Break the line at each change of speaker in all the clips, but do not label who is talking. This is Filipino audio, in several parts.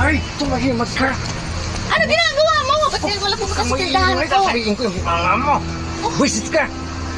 Ay, tumahimag ka.
Ano ginagawa mo? Ba't kaya wala pumunta sa tindahan ko?
Sabihin ko yung mama mo. Wisit ka.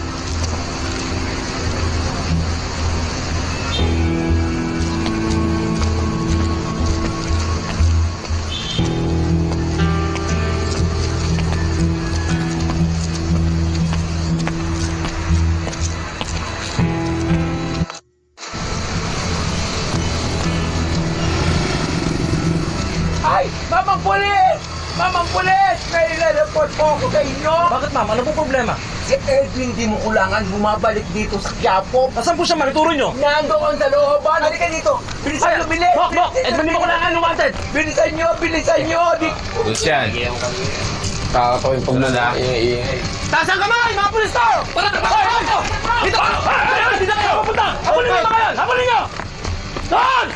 Ay! Mamang pulis! Mamang pulis! May report po ako sa inyo!
Bakit ma'am? Ano po problema?
Si Edwin di mo kulangan bumabalik dito sa Quiapo.
Nasaan po siya? Manituro nyo?
Nandoon sa looban! Halika dito! Bilisan nyo! Bilis!
Bok! Edwin, di mo kailangan ng wanted!
Bilisan nyo! Bilisan nyo!
Lucian. Kakataw yung pagmula.
Taas ang kamay! Mga pulis to! Para! Dito! Dito kayo! Pupunta! Habulin nyo mga yan! Habulin nyo! Doon!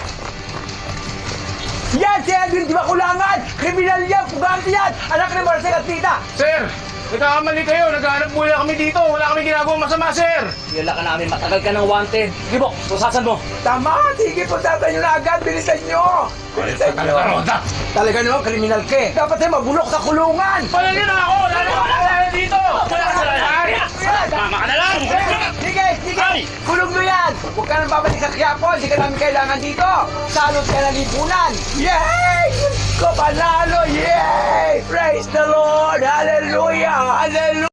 Yan si Edwin di ba kulangan! Kriminal yan! Pugante yan! Anak ni Marcel at Tita!
Sir! Nagkakamali kayo. Naghahanap muna kami dito. Wala kami ginagawang masama, sir.
Hila ka namin. Matagal ka ng wanted. Sige po! Pusasan mo!
Tama! Sige po tatan nyo na agad! Bilisan nyo! Bilisan nyo! Talaga naman kriminal ka eh! Dapat ay mabulok sa kulungan!
Palagyan na ako. Lalo ka na dito. Wala ka na lahat. Mama ka na lang.
Sige! Sige! Kulong mo yan! Huwag ka nang babalik sa Quiapo! Hindi ka namin kailangan dito! Salot ka ng lipunan! Yay! Ko panalo! Yay! Praise the Lord! Hallelujah! Hallelujah!